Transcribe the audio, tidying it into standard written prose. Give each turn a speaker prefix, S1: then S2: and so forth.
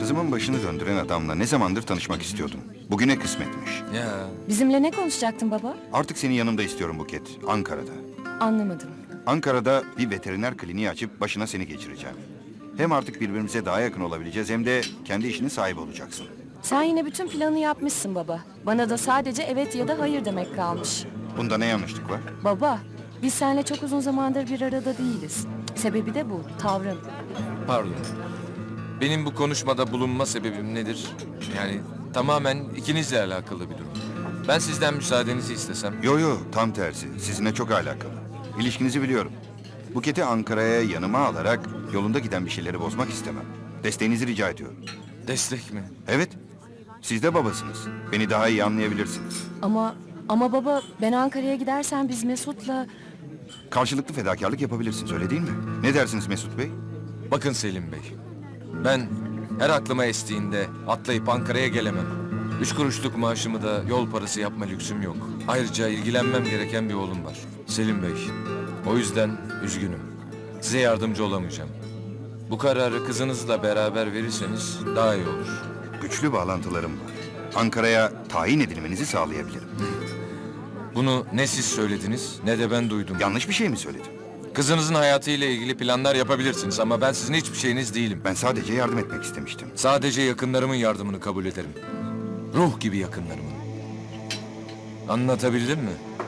S1: Kızımın başını döndüren adamla ne zamandır tanışmak istiyordum. Bugüne kısmetmiş.
S2: Ya
S3: Bizimle ne konuşacaktın baba?
S1: Artık seni yanımda istiyorum Buket, Ankara'da.
S3: Anlamadım.
S1: Ankara'da bir veteriner kliniği açıp başına seni geçireceğim. Hem artık birbirimize daha yakın olabileceğiz hem de kendi işinin sahibi olacaksın.
S3: Sen yine bütün planı yapmışsın baba. Bana da sadece evet ya da hayır demek kalmış.
S1: Bunda ne yanlışlık var?
S3: Baba, biz seninle çok uzun zamandır bir arada değiliz. Sebebi de bu, tavrın.
S2: pardon. Benim bu konuşmada bulunma sebebim nedir? Yani tamamen ikinizle alakalı bir durum. Ben sizden müsaadenizi istesem.
S1: Yo, tam tersi. Sizinle çok alakalı. İlişkinizi biliyorum. Buket'i Ankara'ya yanıma alarak yolunda giden bir şeyleri bozmak istemem. Desteğinizi rica ediyorum.
S2: Destek mi?
S1: Evet, siz de babasınız. Beni daha iyi anlayabilirsiniz.
S3: Ama baba, ben Ankara'ya gidersen biz Mesut'la...
S1: Karşılıklı fedakarlık yapabilirsiniz, öyle değil mi? Ne dersiniz Mesut Bey?
S2: Bakın Selim Bey. Ben her aklıma estiğinde atlayıp Ankara'ya gelemem. 3 kuruşluk maaşımı da yol parası yapma lüksüm yok. Ayrıca ilgilenmem gereken bir oğlum var. Selim Bey. O yüzden üzgünüm. Size yardımcı olamayacağım. Bu kararı kızınızla beraber verirseniz daha iyi olur.
S1: Güçlü bağlantılarım var. Ankara'ya tayin edilmenizi sağlayabilirim.
S2: Bunu ne siz söylediniz ne de ben duydum.
S1: Yanlış bir şey mi söyledim?
S2: Kızınızın hayatıyla ilgili planlar yapabilirsiniz ama ben sizin hiçbir şeyiniz değilim.
S1: Ben sadece yardım etmek istemiştim.
S2: Sadece yakınlarımın yardımını kabul ederim. Ruh gibi yakınlarımın. Anlatabildim mi?